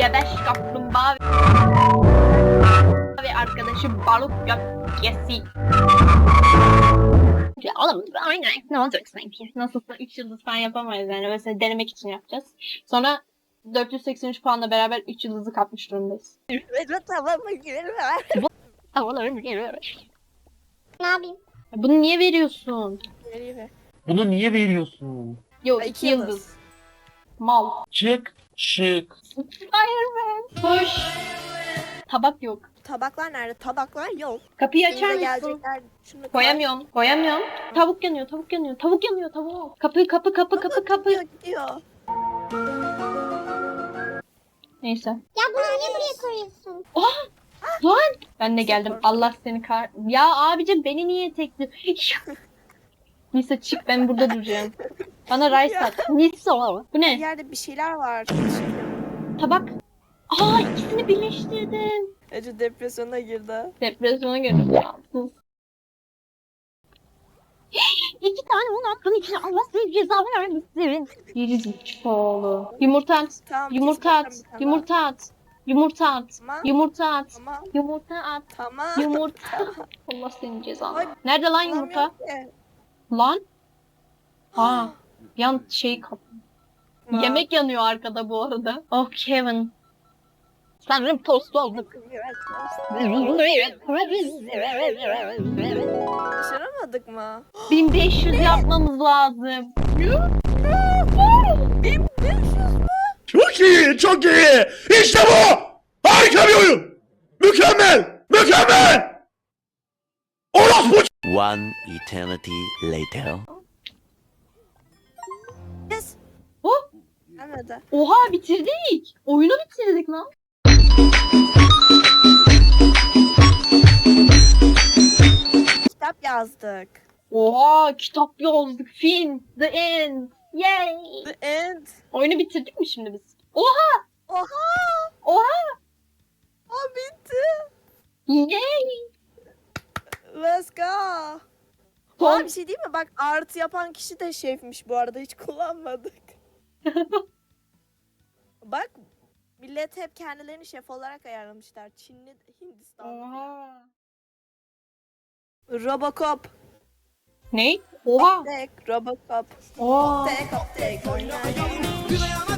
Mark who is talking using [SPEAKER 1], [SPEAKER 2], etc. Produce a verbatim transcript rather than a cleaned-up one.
[SPEAKER 1] gebeş kaplumbağa ve arkadaşı balık gökkesi. Oğlum aynen ne olacak sanki? Nasılsa üç yıldız falan yapamayız yani. Mesela denemek için yapacağız. Sonra dört yüz seksen üç puanla beraber üç yıldızı kapmış durumdayız.
[SPEAKER 2] Ne yapayım?
[SPEAKER 1] Bunu niye veriyorsun?
[SPEAKER 3] Bunu niye veriyorsun?
[SPEAKER 1] Yok
[SPEAKER 4] Ay,
[SPEAKER 1] iki
[SPEAKER 4] iki
[SPEAKER 1] yıldız.
[SPEAKER 4] yıldız.
[SPEAKER 1] Mal.
[SPEAKER 3] Çık, çık.
[SPEAKER 1] Fireman. Koş. Tabak yok.
[SPEAKER 4] Tabaklar nerede? Tabaklar yok.
[SPEAKER 1] Kapıyı
[SPEAKER 4] Bize
[SPEAKER 1] açar mısın?
[SPEAKER 4] gelecekler. Şunu koy.
[SPEAKER 1] Koyamıyorum. Koyamıyorum. Tavuk yanıyor. Tavuk yanıyor. Tavuk yanıyor. Tavuk. Kapı kapı kapı kapı kapı.
[SPEAKER 4] Gidiyor gidiyor.
[SPEAKER 1] Neyse.
[SPEAKER 2] Ya bunu niye buraya koyuyorsun?
[SPEAKER 1] Lan. Ben de geldim. Allah seni kar... Ya abicim beni niye tekli... Nisa çık ben burada duracağım. Bana rice at. Nisa. Bu
[SPEAKER 4] Bir
[SPEAKER 1] ne?
[SPEAKER 4] yerde bir şeyler var.
[SPEAKER 1] Tabak. Aa ikisini birleştirdim.
[SPEAKER 4] Ece depresyona girdi.
[SPEAKER 1] Depresyona girdim. Ya, sus. İki tane un attın içine Allah size ceza vermesin. Gerizekalı. Yumurta at.
[SPEAKER 4] Tamam.
[SPEAKER 1] Yumurta at.
[SPEAKER 4] kesin bakalım bir tane
[SPEAKER 1] Yumurta at. Yumurta at.
[SPEAKER 4] Tamam.
[SPEAKER 1] Yumurta at.
[SPEAKER 4] Tamam.
[SPEAKER 1] Yumurta at.
[SPEAKER 4] Tamam.
[SPEAKER 1] Yumurta. Allah senin cezanı.
[SPEAKER 4] Ay,
[SPEAKER 1] Nerede lan yumurta?
[SPEAKER 4] Alamıyorum ki.
[SPEAKER 1] Lan. Aa. Yan şey kap.
[SPEAKER 4] Tamam.
[SPEAKER 1] Yemek yanıyor arkada bu arada. Oh Kevin. Sanırım tost olduk.
[SPEAKER 4] Başaramadık mı?
[SPEAKER 1] bin beş yüz yapmamız lazım.
[SPEAKER 4] bin beş yüz mü?
[SPEAKER 3] Çok iyi, çok iyi. İşte bu. Harika bir oyun. Mükemmel, mükemmel. Orospu.
[SPEAKER 5] One eternity later.
[SPEAKER 4] Yes.
[SPEAKER 1] Oh,
[SPEAKER 4] Gelmedi.
[SPEAKER 1] oha bitirdik. Oyunu bitirdik lan.
[SPEAKER 4] Kitap yazdık.
[SPEAKER 1] Oha kitap yazdık. Film. The End. Yay.
[SPEAKER 4] The end.
[SPEAKER 1] Oyunu bitirdik mi şimdi biz? Oha.
[SPEAKER 4] Oha.
[SPEAKER 1] Oha.
[SPEAKER 4] O bitti.
[SPEAKER 1] Yay.
[SPEAKER 4] Let's go.
[SPEAKER 1] Son-
[SPEAKER 4] Aa, bir şey değil mi? Bak artı yapan kişi de şefmiş bu arada. Hiç kullanmadık. Bak millet hep kendilerini şef olarak ayarlamışlar. Çinli, Hindistanlı.
[SPEAKER 1] Oha.
[SPEAKER 4] Robocop.
[SPEAKER 1] Ne? Oha.
[SPEAKER 4] Tek Robocop.
[SPEAKER 1] Oha.
[SPEAKER 4] Tek tek.